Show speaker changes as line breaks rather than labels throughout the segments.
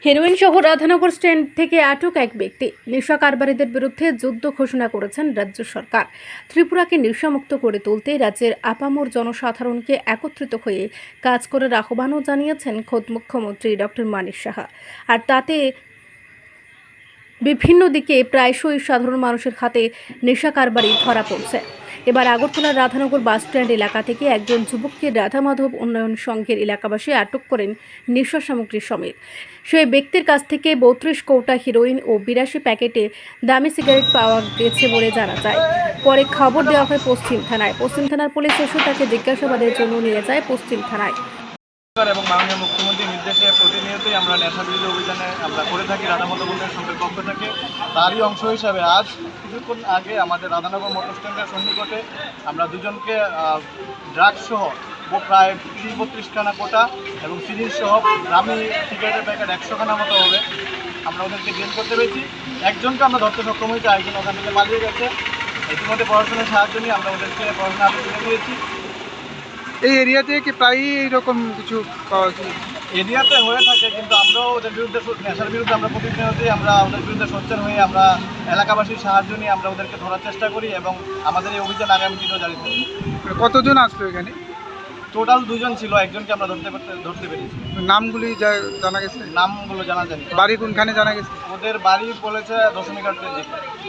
Heroin সহ Radhanagar stand থেকে আটক এক ব্যক্তি। নেশা কারবারিদের বিরুদ্ধে যুদ্ধ ঘোষণা করেছেন রাজ্য সরকার। ত্রিপুরাকে নেশামুক্ত করে তুলতে রাজ্যের আপামর জনসাধারণকে একত্রিত হয়ে কাজ করার আহ্বানও জানিয়েছেন খোদ মুখ্যমন্ত্রী ডক্টর মানিক সাহা। আর তাতে বিভিন্ন দিকে প্রায়শই সাধারণ মানুষের হাতে নেশা কারবারি ধরা পড়ছে। এবার আগরতলার রাধানগর বাসস্ট্যান্ড এলাকা থেকে একজন যুবককে রাধা মাধব উন্নয়ন সংঘের এলাকাবাসী আটক করেন নেশা সামগ্রী সমেত। সেই ব্যক্তির কাছ থেকে 32 কৌটা হিরোইন ও 82 প্যাকেটে দামি সিগারেট পাওয়া গেছে বলে জানা যায়। পরে খবর দেওয়া হয় পশ্চিম থানায়। পশ্চিম থানার পুলিশ এসে তাকে জিজ্ঞাসাবাদের জন্য নিয়ে যায় পশ্চিম থানায়।
এবং মাননীয় মুখ্যমন্ত্রীর নির্দেশে প্রতিনিয়তই আমরা নেশা বিরোধী অভিযানে আমরা করে থাকি রাধা মাধব উন্নয়ন সংঘের পক্ষ থেকে। তারই অংশ হিসাবে আজ কিছুক্ষণ আগে আমাদের রাধানগর মোটর স্ট্যান্ডের সন্নিকটে আমরা দুজনকে ড্রাগস সহ প্রায় 30-32 খানা কোটা এবং সিরিজ সহ দামি সিগারেটের প্যাকেট 100 খানা মতো হবে, আমরা ওদেরকে জেল করতে পেরেছি। একজনকে আমরা ধরতে সক্ষম হয়েছি, একজন ওখান থেকে পালিয়ে গেছে। ইতিমধ্যে পড়াশোনার সাহায্য নিয়ে আমরা ওদেরকে পড়াশোনা আরও তুলে দিয়েছি।
এই এরিয়াতে কি প্রায়ই এইরকম কিছু পাওয়া যায়?
এরিয়াতে হয়ে থাকে, কিন্তু আমরাও ওদের বিরুদ্ধে নেশার বিরুদ্ধে আমরা প্রতিনিয়তই আমরা ওদের বিরুদ্ধে সোচ্চার হয়ে আমরা এলাকাবাসীর সাহায্য নিয়ে আমরা ওদেরকে ধরার চেষ্টা করি এবং আমাদের এই অভিযান আগামী দিনেও জারি থাকবে।
কতজন আসলো এখানে?
টোটাল 2 জন ছিল, একজনকে আমরা ধরতে পেরেছি।
নামগুলি জানা গেছে?
নামগুলো জানা যায়নি।
বাড়ি কোনখানে জানা গেছে?
ওদের বাড়ি বলেছে দশমীঘাটের দিকে।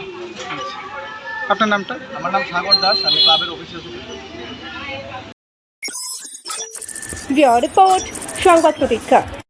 আপনার নামটা?
আমার নাম সাগর দাস, আমি ক্লাবের অফিসে আছি।
রিপোর্ট সংবাদ প্রতীক্ষা।